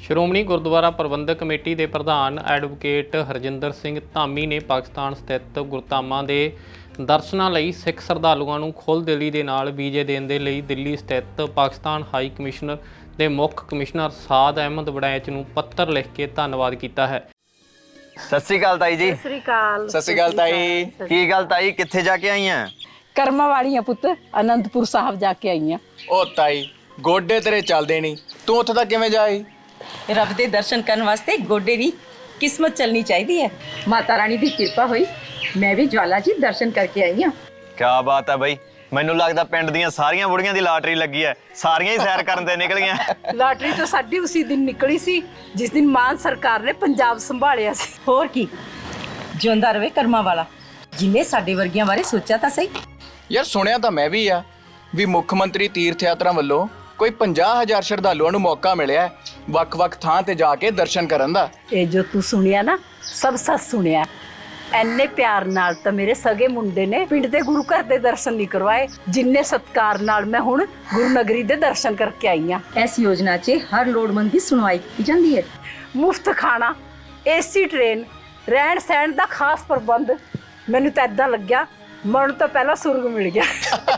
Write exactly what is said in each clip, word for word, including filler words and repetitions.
ਸ਼੍ਰੋਮਣੀ ਗੁਰਦੁਆਰਾ ਪ੍ਰਬੰਧਕ committee ਦੇ ਪ੍ਰਧਾਨ advocate Harjinder Singh Dhami ਨੇ ਪਾਕਿਸਤਾਨ ਸਥਿਤ ਗੁਰਧਾਮਾਂ ਦੇ ਦਰਸ਼ਨਾਂ ਲਈ ਸਿੱਖ ਸ਼ਰਧਾਲੂਆਂ ਨੂੰ ਖੁੱਲ੍ਹਦਿਲੀ ਦੇ ਨਾਲ ਵੀਜ਼ੇ ਦੇਣ ਦੇ ਲਈ ਦਿੱਲੀ ਸਥਿਤ ਪਾਕਿਸਤਾਨ ਹਾਈ ਕਮਿਸ਼ਨਰ ਦੇ ਮੁੱਖ ਕਮਿਸ਼ਨਰ ਸਾਦ ਅਹਿਮਦ ਵੜੈਚ ਨੂੰ ਪੱਤਰ ਲਿਖ ਕੇ ਧੰਨਵਾਦ ਕੀਤਾ ਹੈ। ਸਤਿ ਸ਼੍ਰੀ ਅਕਾਲ ਤਾਈ ਜੀ। ਸਤਿ ਸ਼੍ਰੀ ਅਕਾਲ। ਸਤਿ ਸ਼੍ਰੀ ਅਕਾਲ ਤਾਈ। ਕੀ ਗੱਲ ਤਾਈ, ਕਿੱਥੇ ਜਾ ਕੇ ਆਈ ਆ? ਕਰਮਾਂ ਵਾਲੀਆਂ ਪੁੱਤ, ਅਨੰਦਪੁਰ ਸਾਹਿਬ ਜਾ ਕੇ ਆਈਆਂ। ਉਹ ਤਾਈ ਗੋਡੇ ਤੇਰੇ ਚੱਲਦੇ ਨਹੀਂ, ਤੂੰ ਉੱਥੇ ਤੱਕ ਕਿਵੇਂ ਜਾਈ? ਰੱਬ ਦੇ ਦਰਸ਼ਨ ਕਰਨ ਵਾਸਤੇ ਗੋਡੇ ਦੀ ਕਿਸਮਤ ਚੱਲਣੀ ਚਾਹੀਦੀ ਹੈ। ਮਾਤਾ ਰਾਣੀ ਦੀ ਕਿਰਪਾ ਹੋਈ, ਮੈਂ ਵੀ ਜਵਾਲਾ ਜੀ ਦਰਸ਼ਨ ਕਰਕੇ ਆਈ ਹਾਂ। ਕੀ ਬਾਤ ਹੈ ਬਈ, ਮੈਨੂੰ ਲੱਗਦਾ ਪਿੰਡ ਦੀਆਂ ਸਾਰੀਆਂ ਬੁੜੀਆਂ ਦੀ ਲਾਟਰੀ ਲੱਗੀ ਹੈ, ਸਾਰੀਆਂ ਹੀ ਸੈਰ ਕਰਨ ਤੇ ਨਿਕਲੀਆਂ। ਲਾਟਰੀ ਤਾਂ ਸਾਡੀ ਉਸੇ ਦਿਨ ਨਿਕਲੀ ਸੀ ਜਿਸ ਦਿਨ ਮਾਨ ਸਰਕਾਰ ਨੇ ਪੰਜਾਬ ਸੰਭਾਲਿਆ ਸੀ। ਹੋਰ ਕੀ, ਜਿਉਂਦਾ ਰਵੇ ਕਰਮਾਂ ਵਾਲਾ, ਜਿਨੇ ਸਾਡੇ ਵਰਗੀਆਂ ਬਾਰੇ ਸੋਚਿਆ ਤਾਂ ਸਹੀ। ਯਾਰ ਸੁਣਿਆ ਤਾਂ ਮੈਂ ਵੀ ਆ ਵੀ ਮੁੱਖ ਮੰਤਰੀ ਤੀਰਥ ਯਾਤਰਾ ਵੱਲੋਂ ਕੋਈ ਪੰਜਾਹ ਹਜ਼ਾਰ ਸ਼ਰਧਾਲੂਆਂ ਨੂੰ ਮੌਕਾ ਮਿਲਿਆ ਵੱਖ-ਵੱਖ ਥਾਂ ਤੇ ਜਾ ਕੇ ਦਰਸ਼ਨ ਕਰਨ ਦਾ। ਇਹ ਜੋ ਤੂੰ ਸੁਣਿਆ ਨਾ, ਸਭ ਸੱਚ ਸੁਣਿਆ। ਐਨੇ ਪਿਆਰ ਨਾਲ ਤਾਂ ਮੇਰੇ ਸਗੇ ਮੁੰਡੇ ਨੇ ਪਿੰਡ ਦੇ ਗੁਰੂ ਘਰ ਦੇ ਦਰਸ਼ਨ ਨਹੀਂ ਕਰਵਾਏ ਜਿੰਨੇ ਸਤਿਕਾਰ ਨਾਲ ਮੈਂ ਹੁਣ ਗੁਰੂ ਨਗਰੀ ਦੇ ਦਰਸ਼ਨ ਕਰਕੇ ਆਈ ਹਾਂ। ਇਸ ਯੋਜਨਾ 'ਚ ਹਰ ਲੋੜਵੰਦ ਦੀ ਸੁਣਵਾਈ ਕੀਤੀ ਜਾਂਦੀ ਹੈ। ਮੁਫਤ ਖਾਣਾ, ਏਸੀ ਟ੍ਰੇਨ, ਰਹਿਣ ਸਹਿਣ ਦਾ ਖਾਸ ਪ੍ਰਬੰਧ। ਮੈਨੂੰ ਤਾਂ ਏਦਾਂ ਲੱਗਿਆ ਮਰਨ ਤੋਂ ਪਹਿਲਾਂ ਸੁਰਗ ਮਿਲ ਗਿਆ।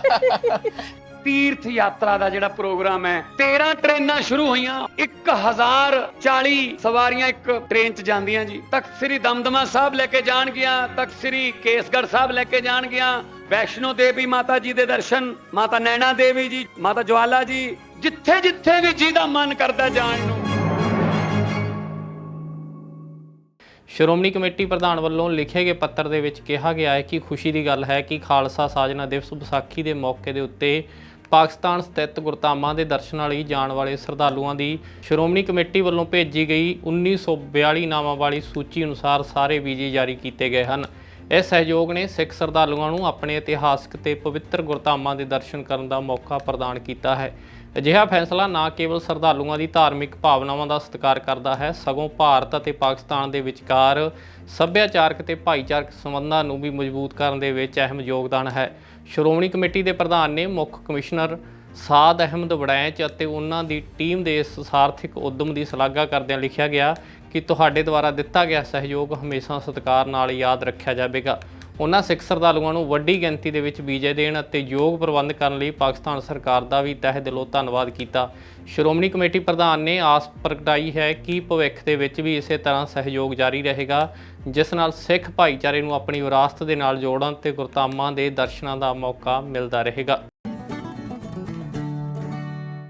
ਤੀਰਥ ਯਾਤਰਾ ਦਾ ਜਿਹੜਾ ਪ੍ਰੋਗਰਾਮ ਹੈ, ਤੇਰਾਂ ਟ੍ਰੇਨਾਂ ਸ਼ੁਰੂ ਹੋਈਆਂ, ਇੱਕ ਹਜ਼ਾਰ ਚਾਲੀ ਸਵਾਰੀਆਂ ਇੱਕ ਟ੍ਰੇਨ 'ਚ ਜਾਂਦੀਆਂ ਜੀ। ਤਖਤ ਸ੍ਰੀ ਦਮਦਮਾ ਸਾਹਿਬ ਲੈ ਕੇ ਜਾਣਗੀਆਂ, ਤਖਤ ਸ੍ਰੀ ਕੇਸਗੜ੍ਹ ਸਾਹਿਬ ਲੈ ਕੇ ਜਾਣਗੀਆਂ, ਵੈਸ਼ਨੋ ਦੇਵੀ ਮਾਤਾ ਜੀ ਦੇ ਦਰਸ਼ਨ, ਮਾਤਾ ਨੈਣਾ ਦੇਵੀ ਜੀ, ਮਾਤਾ ਜਵਾਲਾ ਜੀ, ਜਿੱਥੇ ਜਿੱਥੇ ਵੀ ਜਿਹਦਾ ਮਨ ਕਰਦਾ ਜਾਣ ਨੂੰ। ਸ਼੍ਰੋਮਣੀ ਕਮੇਟੀ ਪ੍ਰਧਾਨ ਵੱਲੋਂ ਲਿਖੇ ਗਏ ਪੱਤਰ ਦੇ ਵਿੱਚ ਕਿਹਾ ਗਿਆ ਹੈ ਕਿ ਖੁਸ਼ੀ ਦੀ ਗੱਲ ਹੈ ਕਿ ਖਾਲਸਾ ਸਾਜਨਾ ਦਿਵਸ ਵਿਸਾਖੀ ਦੇ ਮੌਕੇ ਦੇ ਉੱਤੇ ਪਾਕਿਸਤਾਨ ਸਥਿਤ ਗੁਰਧਾਮਾਂ ਦੇ ਦਰਸ਼ਨਾਂ ਲਈ ਜਾਣ ਵਾਲੇ ਸ਼ਰਧਾਲੂਆਂ ਦੀ ਸ਼੍ਰੋਮਣੀ ਕਮੇਟੀ ਵੱਲੋਂ ਭੇਜੀ ਗਈ ਉੱਨੀ ਸੌ ਬਿਆਲੀ ਨਾਵਾਂ ਵਾਲੀ ਸੂਚੀ ਅਨੁਸਾਰ ਸਾਰੇ ਵੀਜ਼ੇ ਜਾਰੀ ਕੀਤੇ ਗਏ ਹਨ। ਇਸ ਸਹਿਯੋਗ ਨੇ ਸਿੱਖ ਸ਼ਰਧਾਲੂਆਂ ਨੂੰ ਆਪਣੇ ਇਤਿਹਾਸਕ ਤੇ ਪਵਿੱਤਰ ਗੁਰਧਾਮਾਂ ਦੇ ਦਰਸ਼ਨ ਕਰਨ ਦਾ ਮੌਕਾ ਪ੍ਰਦਾਨ ਕੀਤਾ ਹੈ। ਅਜਿਹਾ ਫੈਸਲਾ ਨਾ ਕੇਵਲ ਸ਼ਰਧਾਲੂਆਂ ਦੀ ਧਾਰਮਿਕ ਭਾਵਨਾਵਾਂ ਦਾ ਸਤਿਕਾਰ ਕਰਦਾ ਹੈ, ਸਗੋਂ ਭਾਰਤ ਅਤੇ ਪਾਕਿਸਤਾਨ ਦੇ ਵਿਚਕਾਰ ਸੱਭਿਆਚਾਰਕ ਤੇ ਭਾਈਚਾਰਕ ਸੰਬੰਧਾਂ ਨੂੰ ਵੀ ਮਜ਼ਬੂਤ ਕਰਨ ਦੇ ਵਿੱਚ ਅਹਿਮ ਯੋਗਦਾਨ ਹੈ। ਸ਼੍ਰੋਮਣੀ ਕਮੇਟੀ ਦੇ ਪ੍ਰਧਾਨ ਨੇ ਮੁੱਖ ਕਮਿਸ਼ਨਰ ਸਾਦ ਅਹਿਮਦ ਵੜੈਚ ਅਤੇ ਉਹਨਾਂ ਦੀ ਟੀਮ ਦੇ ਇਸ ਸਾਰਥਿਕ ਉਦਮ ਦੀ ਸ਼ਲਾਘਾ ਕਰਦਿਆਂ ਲਿਖਿਆ ਗਿਆ ਕਿ ਤੁਹਾਡੇ ਦੁਆਰਾ ਦਿੱਤਾ ਗਿਆ ਸਹਿਯੋਗ ਹਮੇਸ਼ਾ ਸਤਿਕਾਰ ਨਾਲ ਯਾਦ ਰੱਖਿਆ ਜਾਵੇਗਾ। ਉਹਨਾਂ ਸਿੱਖ ਸ਼ਰਧਾਲੂਆਂ ਨੂੰ ਵੱਡੀ ਗਿਣਤੀ ਦੇ ਵਿੱਚ ਵੀਜ਼ੇ ਦੇਣ ਅਤੇ ਯੋਗ ਪ੍ਰਬੰਧ ਕਰਨ ਲਈ ਪਾਕਿਸਤਾਨ ਸਰਕਾਰ ਦਾ ਵੀ ਤਹਿ ਦਿਲੋਂ ਧੰਨਵਾਦ ਕੀਤਾ। ਸ਼੍ਰੋਮਣੀ ਕਮੇਟੀ ਪ੍ਰਧਾਨ ਨੇ ਆਸ ਪ੍ਰਗਟਾਈ ਹੈ ਕਿ ਭਵਿੱਖ ਦੇ ਵਿੱਚ ਵੀ ਇਸੇ ਤਰ੍ਹਾਂ ਸਹਿਯੋਗ ਜਾਰੀ ਰਹੇਗਾ, ਜਿਸ ਨਾਲ ਸਿੱਖ ਭਾਈਚਾਰੇ ਨੂੰ ਆਪਣੀ ਵਿਰਾਸਤ ਦੇ ਨਾਲ ਜੋੜਨ ਤੇ ਗੁਰਧਾਮਾਂ ਦੇ ਦਰਸ਼ਨਾਂ ਦਾ ਮੌਕਾ ਮਿਲਦਾ ਰਹੇਗਾ।